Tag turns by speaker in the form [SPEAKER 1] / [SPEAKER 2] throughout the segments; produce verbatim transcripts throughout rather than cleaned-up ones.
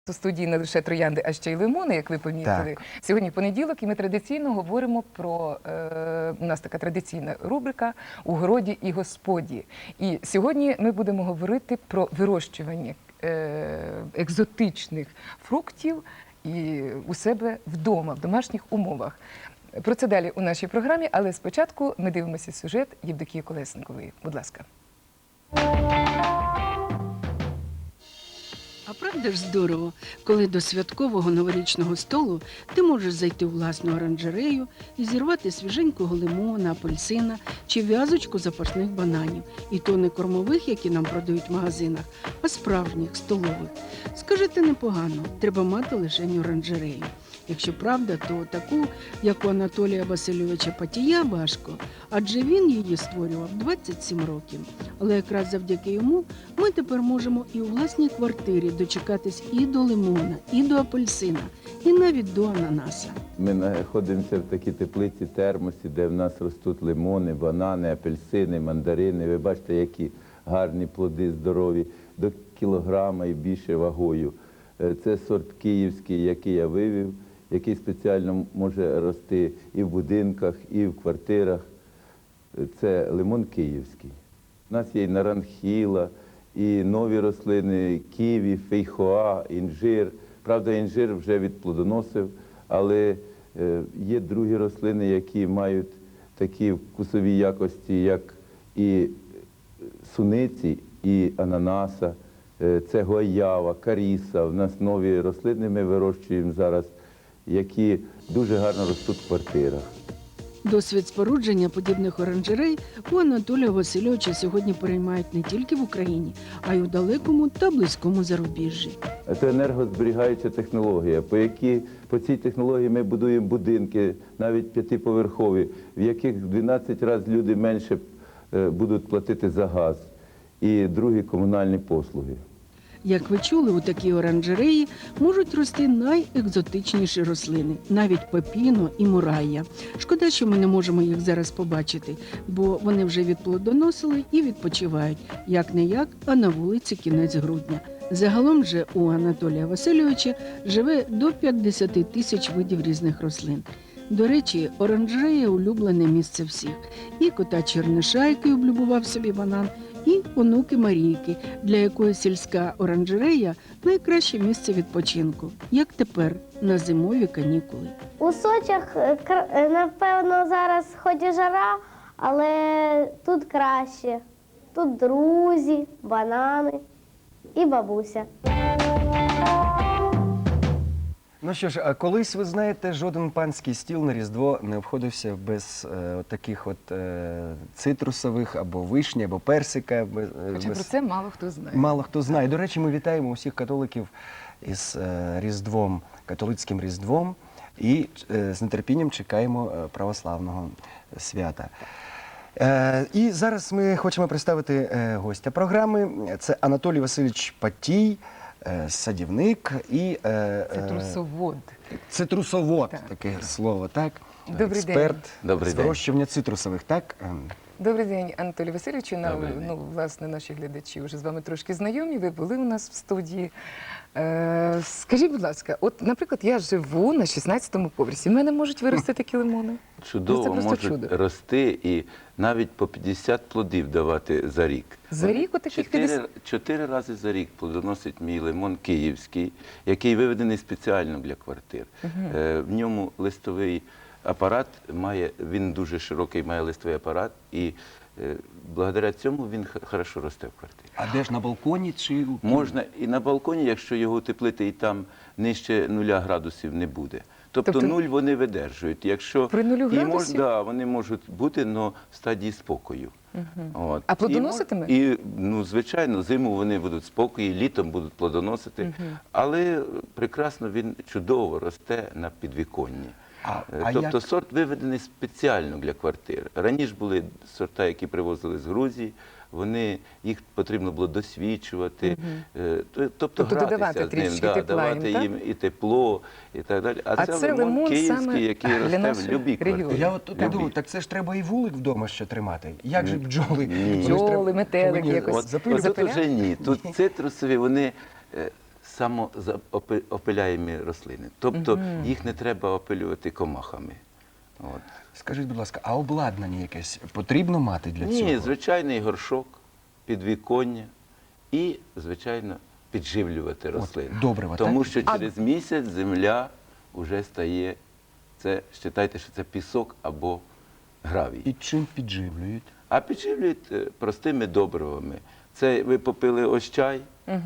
[SPEAKER 1] У студії не лише троянди, а ще й лимони, як ви помітили.
[SPEAKER 2] Так.
[SPEAKER 1] Сьогодні понеділок, і ми традиційно говоримо про, е, у нас така традиційна рубрика «У городі і господі». І сьогодні ми будемо говорити про вирощування е, екзотичних фруктів і у себе вдома, в домашніх умовах. Про це далі у нашій програмі, але спочатку ми дивимося сюжет Євдокії Колесникової. Будь ласка.
[SPEAKER 3] А правда ж здорово, коли до святкового новорічного столу ти можеш зайти у власну оранжерею і зірвати свіженького лимона, апельсина чи в'язочку запашних бананів. І то не кормових, які нам продають в магазинах, а справжніх, столових. Скажете, непогано, треба мати лишень оранжерею. Якщо правда, то таку, як у Анатолія Васильовича Патія, важко, адже він її створював двадцять сім років. Але якраз завдяки йому ми тепер можемо і у власній квартирі дочекатись і до лимона, і до апельсина, і навіть до ананаса.
[SPEAKER 4] Ми знаходимося в такій теплиці, термосі, де в нас ростуть лимони, банани, апельсини, мандарини. Ви бачите, які гарні плоди, здорові, до кілограма і більше вагою. Це сорт київський, який я вивів, який спеціально може рости і в будинках, і в квартирах. Це лимон київський. У нас є і наранхіла, і нові рослини, ківі, фейхоа, інжир. Правда, інжир вже відплодоносив, але є другі рослини, які мають такі вкусові якості, як і суниці, і ананаса. Це гоява, каріса. У нас нові рослини ми вирощуємо зараз, які дуже гарно ростуть в квартирах.
[SPEAKER 3] Досвід спорудження подібних оранжерей у Анатолія Васильовича сьогодні переймають не тільки в Україні, а й у далекому та близькому зарубіжжі.
[SPEAKER 4] Це енергозберігаюча технологія, по, якій, по цій технології ми будуємо будинки, навіть п'ятиповерхові, в яких в дванадцять разів люди менше будуть платити за газ і другі комунальні послуги.
[SPEAKER 3] Як ви чули, у такій оранжереї можуть рости найекзотичніші рослини, навіть пепіно і мурайя. Шкода, що ми не можемо їх зараз побачити, бо вони вже відплодоносили і відпочивають, як-не-як, а на вулиці кінець грудня. Загалом же у Анатолія Васильовича живе до п'ятдесят тисяч видів різних рослин. До речі, оранжерея – улюблене місце всіх. І кота Черниша, який облюбував собі банан, і онуки Марійки, для якої сільська оранжерея – найкраще місце відпочинку, як тепер, на зимові канікули.
[SPEAKER 5] У Сочах, напевно, зараз хоч і жара, але тут краще. Тут друзі, банани і бабуся.
[SPEAKER 2] Ну що ж, а колись, ви знаєте, жоден панський стіл на Різдво не обходився без е, таких от е, цитрусових, або вишні, або персика. Без,
[SPEAKER 1] Хоча
[SPEAKER 2] без...
[SPEAKER 1] про це мало хто знає.
[SPEAKER 2] Мало хто знає. До речі, ми вітаємо усіх католиків із е, Різдвом, католицьким Різдвом, і е, з нетерпінням чекаємо е, православного свята. Е, і зараз ми хочемо представити е, гостя програми. Це Анатолій Васильович Патій, садівник і
[SPEAKER 1] Цитрусовод.
[SPEAKER 2] Цитрусовод,
[SPEAKER 1] Так.
[SPEAKER 2] таке слово, так?
[SPEAKER 1] Добрий
[SPEAKER 2] Експерт
[SPEAKER 4] Добрий
[SPEAKER 2] з
[SPEAKER 4] день.
[SPEAKER 2] вирощування цитрусових, так?
[SPEAKER 1] Добрий день, Анатолій Васильовичу.
[SPEAKER 4] Добрий день.
[SPEAKER 1] Ну, власне, наші глядачі вже з вами трошки знайомі, ви були у нас в студії. Е, скажіть, будь ласка, от, наприклад, я живу на шістнадцятому поверсі, в мене можуть вирости такі лимони?
[SPEAKER 4] Чудово,
[SPEAKER 1] Ну, це просто
[SPEAKER 4] можуть
[SPEAKER 1] чудо.
[SPEAKER 4] рости і навіть по п'ятдесят плодів давати за рік.
[SPEAKER 1] За рік отаких п'ятдесят?
[SPEAKER 4] Чотири, чотири рази за рік плодоносить мій лимон київський, який виведений спеціально для квартир. Угу. Е, в ньому листовий апарат має, він дуже широкий, має листовий апарат, і е, благодаря цьому він хорошо росте в квартирі.
[SPEAKER 2] А де ж, на балконі чи у
[SPEAKER 4] Можна і на балконі, якщо його утеплити, і там нижче нуля градусів не буде. Тобто,
[SPEAKER 1] Тобто
[SPEAKER 4] нуль вони видержують. Якщо
[SPEAKER 1] при нулю
[SPEAKER 4] і мож-
[SPEAKER 1] градусів?
[SPEAKER 4] да, вони можуть бути, але в стадії спокою.
[SPEAKER 1] Угу.
[SPEAKER 4] От.
[SPEAKER 1] А плодоноситиме?
[SPEAKER 4] І, мож- і, ну, звичайно, зиму вони будуть спокої, літом будуть плодоносити,
[SPEAKER 1] Угу.
[SPEAKER 4] але прекрасно він чудово росте на підвіконні.
[SPEAKER 2] А,
[SPEAKER 4] Е,
[SPEAKER 2] а
[SPEAKER 4] тобто
[SPEAKER 2] як...
[SPEAKER 4] сорт виведений спеціально для квартир. Раніше були сорта, які привозили з Грузії, вони, їх потрібно було досвідчувати,
[SPEAKER 1] Угу.
[SPEAKER 4] е, тобто,
[SPEAKER 1] Тобто
[SPEAKER 4] гратися
[SPEAKER 1] додавати
[SPEAKER 4] з ним,
[SPEAKER 1] трішки
[SPEAKER 4] да,
[SPEAKER 1] тепла
[SPEAKER 4] давати
[SPEAKER 1] їм,
[SPEAKER 4] їм і тепло, і так далі. А,
[SPEAKER 1] А
[SPEAKER 4] це,
[SPEAKER 1] це
[SPEAKER 4] лимон,
[SPEAKER 1] лимон
[SPEAKER 4] київський,
[SPEAKER 1] саме
[SPEAKER 4] який
[SPEAKER 1] для
[SPEAKER 4] росте в
[SPEAKER 1] нашого
[SPEAKER 4] любій
[SPEAKER 1] регіону.
[SPEAKER 4] квартирі.
[SPEAKER 2] Я от тут
[SPEAKER 4] Любій.
[SPEAKER 2] думаю, так це ж треба і вулик вдома ще тримати. Як же
[SPEAKER 4] Ні.
[SPEAKER 2] бджоли?
[SPEAKER 4] Ні.
[SPEAKER 2] Вони ж
[SPEAKER 1] Бджоли,
[SPEAKER 2] треба-
[SPEAKER 1] метелики
[SPEAKER 2] повинні
[SPEAKER 1] якось.
[SPEAKER 4] От,
[SPEAKER 2] запилювати.
[SPEAKER 4] от тут уже ні. Тут цитрусові, вони е, самоопиляємі рослини. Тобто їх не треба опилювати комахами. От.
[SPEAKER 2] Скажіть, будь ласка, а обладнання якесь потрібно мати для цього?
[SPEAKER 4] Ні, звичайний горшок, підвіконня і, звичайно, підживлювати рослини.
[SPEAKER 2] добрива,
[SPEAKER 4] Тому
[SPEAKER 2] так?
[SPEAKER 4] що через місяць земля вже стає, це, вважайте, що це пісок або гравій.
[SPEAKER 2] І чим підживлюють?
[SPEAKER 4] А підживлюють е, простими добривами. Це ви попили ось чай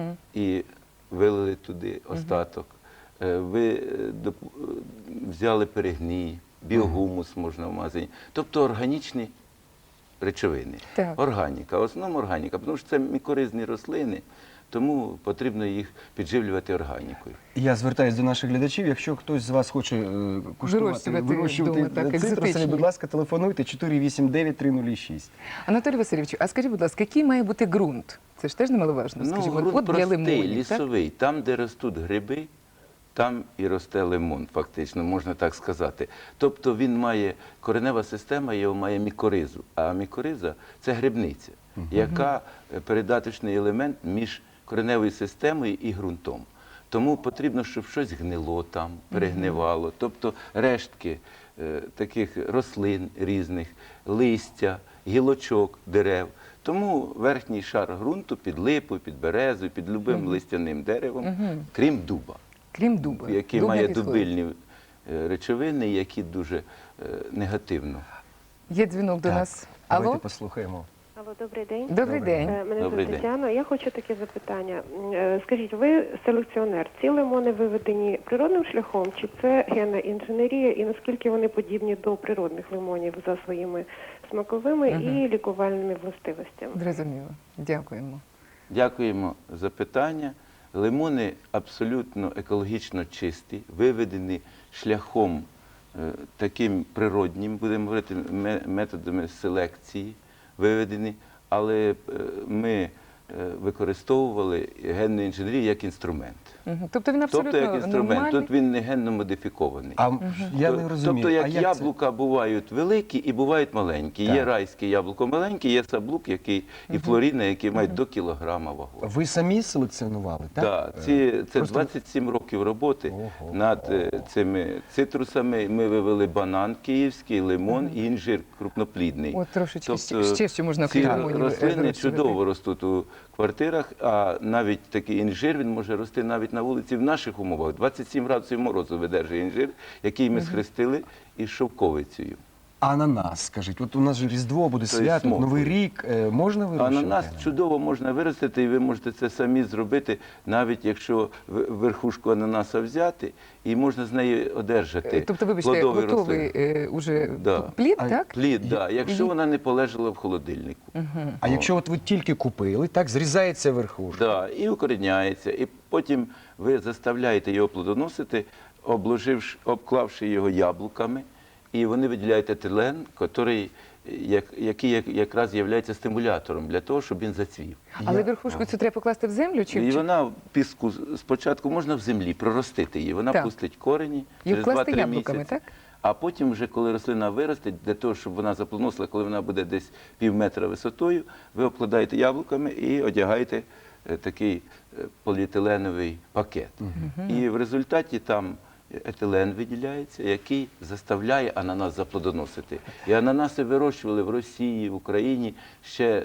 [SPEAKER 4] і вилили туди остаток. Е, Ви е, доп- е, взяли перегній, біогумус можна в магазині. Тобто органічні речовини.
[SPEAKER 1] Так.
[SPEAKER 4] Органіка, в основному органіка, тому що це мікоризні рослини, тому потрібно їх підживлювати органікою.
[SPEAKER 2] Я звертаюся до наших глядачів. Якщо хтось з вас хоче е, куштувати,
[SPEAKER 1] Вирощувати
[SPEAKER 2] вирощувати
[SPEAKER 1] вдома, так,
[SPEAKER 2] цитрусові,
[SPEAKER 1] екзотичні.
[SPEAKER 2] будь ласка, телефонуйте чотири вісім дев'ять три нуль шість.
[SPEAKER 1] Анатолій Васильович, а скажіть, будь ласка, який має бути ґрунт? Це ж теж немаловажно.
[SPEAKER 4] Ну,
[SPEAKER 1] Скажімо,
[SPEAKER 4] ґрунт
[SPEAKER 1] от для
[SPEAKER 4] простий,
[SPEAKER 1] лимонів, так?
[SPEAKER 4] лісовий. Там, де ростуть гриби, там і росте лимон, фактично, можна так сказати. Тобто він має, коренева система його має мікоризу, а мікориза – це грибниця, яка е, передаточний елемент між кореневою системою і ґрунтом. Тому потрібно, щоб щось гнило там, перегнивало, тобто рештки е, таких рослин різних, листя, гілочок дерев. Тому верхній шар ґрунту під липою, під березою, під любим листяним деревом, крім дуба,
[SPEAKER 1] Крім дуба.
[SPEAKER 4] який
[SPEAKER 1] Дуб не
[SPEAKER 4] має
[SPEAKER 1] підходить.
[SPEAKER 4] дубильні е, речовини, які дуже е, негативно.
[SPEAKER 1] Є дзвінок до
[SPEAKER 2] Так,
[SPEAKER 1] нас.
[SPEAKER 2] Давайте
[SPEAKER 1] Алло?
[SPEAKER 2] послухаємо.
[SPEAKER 6] Алло, добрий день.
[SPEAKER 1] Добрий день.
[SPEAKER 6] Е, Мене
[SPEAKER 4] Добрий
[SPEAKER 6] звуть
[SPEAKER 4] день.
[SPEAKER 6] Тетяна. Я хочу таке запитання. Е, Скажіть, ви селекціонер. Ці лимони виведені природним шляхом, чи це генна інженерія, і наскільки вони подібні до природних лимонів за своїми смаковими і лікувальними властивостями?
[SPEAKER 1] Зрозуміло. Дякуємо.
[SPEAKER 4] Дякуємо за питання. Лимони абсолютно екологічно чисті, виведені шляхом е, таким природнім, будемо говорити, ме- методами селекції виведені, але е, ми е, використовували генну інженерію як інструмент.
[SPEAKER 1] Мгм. Тобто він абсолютно
[SPEAKER 4] Тобто як інструмент.
[SPEAKER 1] нормальний.
[SPEAKER 4] Тут він не генно модифікований.
[SPEAKER 2] А я не розумію.
[SPEAKER 4] Тобто, як
[SPEAKER 2] а як
[SPEAKER 4] яблука бувають великі і бувають маленькі. Є
[SPEAKER 2] Так.
[SPEAKER 4] райське яблуко маленьке, є саблук, який і флоріна, які мають до кілограма вагу.
[SPEAKER 2] це? Ви самі селекціонували, так?
[SPEAKER 4] Так,
[SPEAKER 2] Е,
[SPEAKER 4] ці, це
[SPEAKER 2] просто-
[SPEAKER 4] двадцять сім років роботи
[SPEAKER 2] Ого.
[SPEAKER 4] над е, цими цитрусами. Ми вивели банан київський, лимон і інжир крупноплідний.
[SPEAKER 1] От трошечки
[SPEAKER 4] Тобто
[SPEAKER 1] ще- ще що можна
[SPEAKER 4] ці
[SPEAKER 1] крім лимонів, е,
[SPEAKER 4] рослини
[SPEAKER 1] вирощувати?
[SPEAKER 4] чудово ростуть у квартирах, а навіть такий інжир він може рости навіть на вулиці в наших умовах. двадцять сім градусів морозу видержує інжир, який ми схрестили із шовковицею.
[SPEAKER 2] Ананас, скажіть. От у нас же Різдво буде
[SPEAKER 4] То є
[SPEAKER 2] свято,
[SPEAKER 4] смоковий.
[SPEAKER 2] Новий рік. Е, Можна вирощувати?
[SPEAKER 4] Ананас чудово можна виростити, і ви можете це самі зробити, навіть якщо в- верхушку ананаса взяти, і можна з неї одержати
[SPEAKER 1] Е, Тобто, вибачте,
[SPEAKER 4] плодові
[SPEAKER 1] готовий
[SPEAKER 4] рослини.
[SPEAKER 1] е, уже
[SPEAKER 4] Да.
[SPEAKER 1] плід,
[SPEAKER 2] А
[SPEAKER 1] так?
[SPEAKER 4] Плід, да, якщо
[SPEAKER 1] і-
[SPEAKER 4] вона не полежала в холодильнику.
[SPEAKER 2] А якщо от ви тільки купили, так, зрізається верхушка.
[SPEAKER 4] Да, і укоріняється, і потім ви заставляєте його плодоносити, обложивши, обклавши його яблуками, і вони виділяють етилен, який, як, який як- якраз є стимулятором для того, щоб він зацвів.
[SPEAKER 1] Але
[SPEAKER 2] Я-
[SPEAKER 1] верхушку цю треба покласти в землю? Чи,
[SPEAKER 4] І
[SPEAKER 1] чи-
[SPEAKER 4] вона в піску спочатку можна в землі проростити її, вона
[SPEAKER 1] Так.
[SPEAKER 4] пустить корені
[SPEAKER 1] І
[SPEAKER 4] через
[SPEAKER 1] вкласти
[SPEAKER 4] два-три
[SPEAKER 1] яблуками,
[SPEAKER 4] місяці.
[SPEAKER 1] так?
[SPEAKER 4] А потім, вже коли рослина виросте, для того, щоб вона заплодоносила, коли вона буде десь пів метра висотою, ви обкладаєте яблуками і одягаєте е, такий е, поліетиленовий пакет. І в результаті там етилен виділяється, який заставляє ананас заплодоносити. І ананаси вирощували в Росії, в Україні ще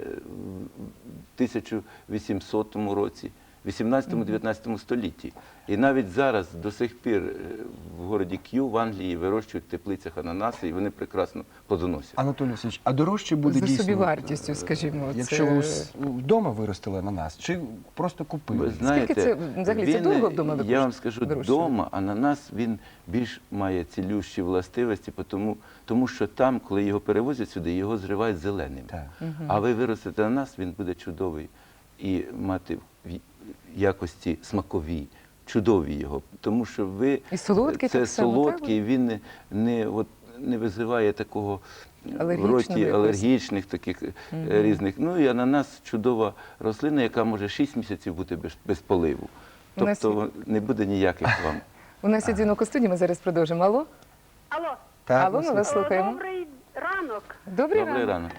[SPEAKER 4] в тисяча вісімсотому році, вісімнадцятому-дев'ятнадцятому столітті. І навіть зараз до сих пір е, в городі К'ю в Англії вирощують в теплицях ананаси, і вони прекрасно плодоносять.
[SPEAKER 2] Анатолій Васильович, а дорожче буде
[SPEAKER 1] За
[SPEAKER 2] дійсно,
[SPEAKER 1] собівартістю, скажімо,
[SPEAKER 2] якщо
[SPEAKER 1] це-
[SPEAKER 2] ви ус- вдома виростили ананас, чи просто купили?
[SPEAKER 4] Ви знаєте,
[SPEAKER 1] це, взагалі, це
[SPEAKER 4] він,
[SPEAKER 1] дорого вдома
[SPEAKER 4] Я вам
[SPEAKER 1] викош-
[SPEAKER 4] скажу,
[SPEAKER 1] вирощувати?
[SPEAKER 4] вдома ананас, він більш має цілющі властивості, тому, тому що там, коли його перевозять сюди, його зривають зеленим.
[SPEAKER 2] Так.
[SPEAKER 4] А ви виростете ананас, він буде чудовий і мати в якості смакові, чудові його. Тому що ви,
[SPEAKER 1] І солодкий
[SPEAKER 4] це
[SPEAKER 1] так само, так?
[SPEAKER 4] солодкий, він не, не, от, не визиває такого в
[SPEAKER 1] Алергічного
[SPEAKER 4] роті
[SPEAKER 1] якогось.
[SPEAKER 4] алергічних таких е, різних. Ну і ананас чудова рослина, яка може шість місяців бути без, без поливу.
[SPEAKER 1] У нас
[SPEAKER 4] Тобто не буде ніяких вам.
[SPEAKER 1] У нас є дзвінок у студії, ми зараз продовжимо. Алло?
[SPEAKER 7] Алло,
[SPEAKER 2] Так,
[SPEAKER 1] Алло, ми вас
[SPEAKER 7] Е,
[SPEAKER 1] слухаємо.
[SPEAKER 7] добрий ранок.
[SPEAKER 1] Добрий
[SPEAKER 4] Добрий
[SPEAKER 1] ранок.
[SPEAKER 4] ранок.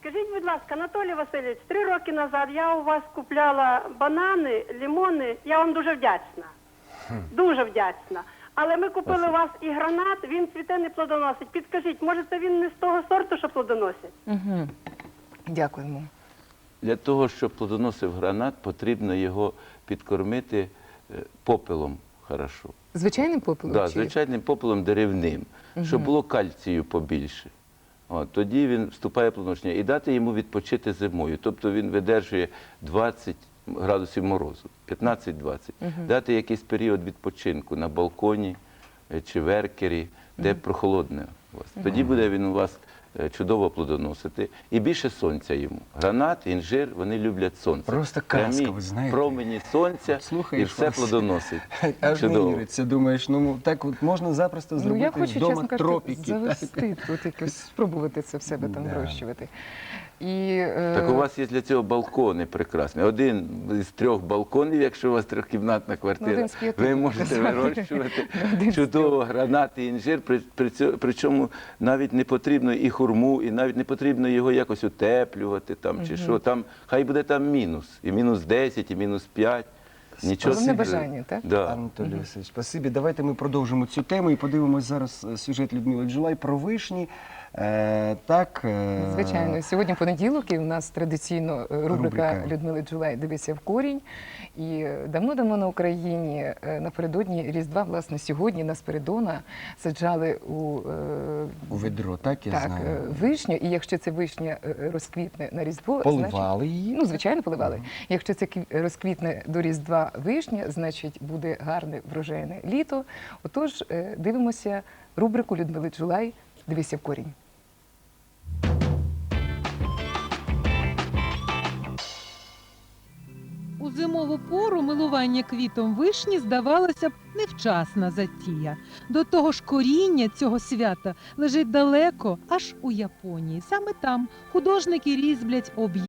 [SPEAKER 7] Скажіть, будь ласка, Анатолій Васильович, три роки назад я у вас купляла банани, лимони. Я вам дуже вдячна. Дуже вдячна. Але ми купили у вас і гранат, він цвіте, не плодоносить. Підкажіть, може це він не з того сорту, що плодоносить?
[SPEAKER 1] Угу. Дякуємо.
[SPEAKER 4] Для того, щоб плодоносив гранат, потрібно його підкормити е, попелом хорошо.
[SPEAKER 1] Звичайним попелом?
[SPEAKER 4] Да,
[SPEAKER 1] чи-
[SPEAKER 4] звичайним попелом деревним, щоб було кальцію побільше. От, тоді він вступає в плодоношення. І дати йому відпочити зимою. Тобто він видержує двадцять градусів морозу, п'ятнадцять-двадцять. Дати якийсь період відпочинку на балконі е, чи в еркері, де прохолодне у вас. Тоді буде він у вас е, чудово плодоносити. І більше сонця йому. Гранат, інжир, вони люблять сонце.
[SPEAKER 2] Просто казка,
[SPEAKER 4] Прямі
[SPEAKER 2] ви знаєте.
[SPEAKER 4] промені сонця, і
[SPEAKER 2] Слухаєш
[SPEAKER 4] все
[SPEAKER 2] вас.
[SPEAKER 4] плодоносить.
[SPEAKER 2] Аж не
[SPEAKER 4] Чудово.
[SPEAKER 2] віриться, думаєш, ну так от можна запросто
[SPEAKER 1] Ну,
[SPEAKER 2] зробити
[SPEAKER 1] я хочу,
[SPEAKER 2] вдома
[SPEAKER 1] чесно кажучи,
[SPEAKER 2] тропіки. так.
[SPEAKER 1] завести тут якось, спробувати це в себе там
[SPEAKER 2] Да.
[SPEAKER 1] вирощувати. І, е,
[SPEAKER 4] Так у вас є для цього балкони прекрасні. Один із трьох балконів, якщо у вас трьохкімнатна
[SPEAKER 1] Ну,
[SPEAKER 4] квартира,
[SPEAKER 1] один з п'яти,
[SPEAKER 4] ви
[SPEAKER 1] так
[SPEAKER 4] можете
[SPEAKER 1] назвати.
[SPEAKER 4] вирощувати
[SPEAKER 1] Один з
[SPEAKER 4] чудово гранати, інжир, при, при цьому, причому навіть не потрібно і хурму, і навіть не потрібно його якось утеплювати там, чи що. Там, хай буде там мінус, і мінус десять, і мінус п'ять. Нічого
[SPEAKER 1] Головне
[SPEAKER 4] собі.
[SPEAKER 1] бажання, так?
[SPEAKER 4] Да.
[SPEAKER 2] Анатолій Васильович, спасибі. Давайте ми продовжимо цю тему і подивимось зараз е, сюжет Людмили Джулай про вишні. Е, так, е,
[SPEAKER 1] Звичайно, сьогодні понеділок, і у нас традиційно е, рубрика,
[SPEAKER 2] Рубрика.
[SPEAKER 1] Людмили Джулай «Дивися в корінь». І е, давно-давно на Україні е, напередодні Різдва, власне, сьогодні на Спиридона саджали у, е,
[SPEAKER 2] у ведро, так я
[SPEAKER 1] так,
[SPEAKER 2] знаю.
[SPEAKER 1] е, вишню, і якщо ця вишня е, розквітне на Різдво,
[SPEAKER 2] Поливали
[SPEAKER 1] значить,
[SPEAKER 2] її?
[SPEAKER 1] ну, звичайно, поливали. Якщо це кві- розквітне до Різдва вишня, значить буде гарне врожайне літо. Отож, е, дивимося рубрику Людмили Джулай «Дивися в корінь».
[SPEAKER 8] У зимову пору милування квітом вишні здавалося б невчасна затія. До того ж коріння цього свята лежить далеко, аж у Японії. Саме там художники різблять об'єкти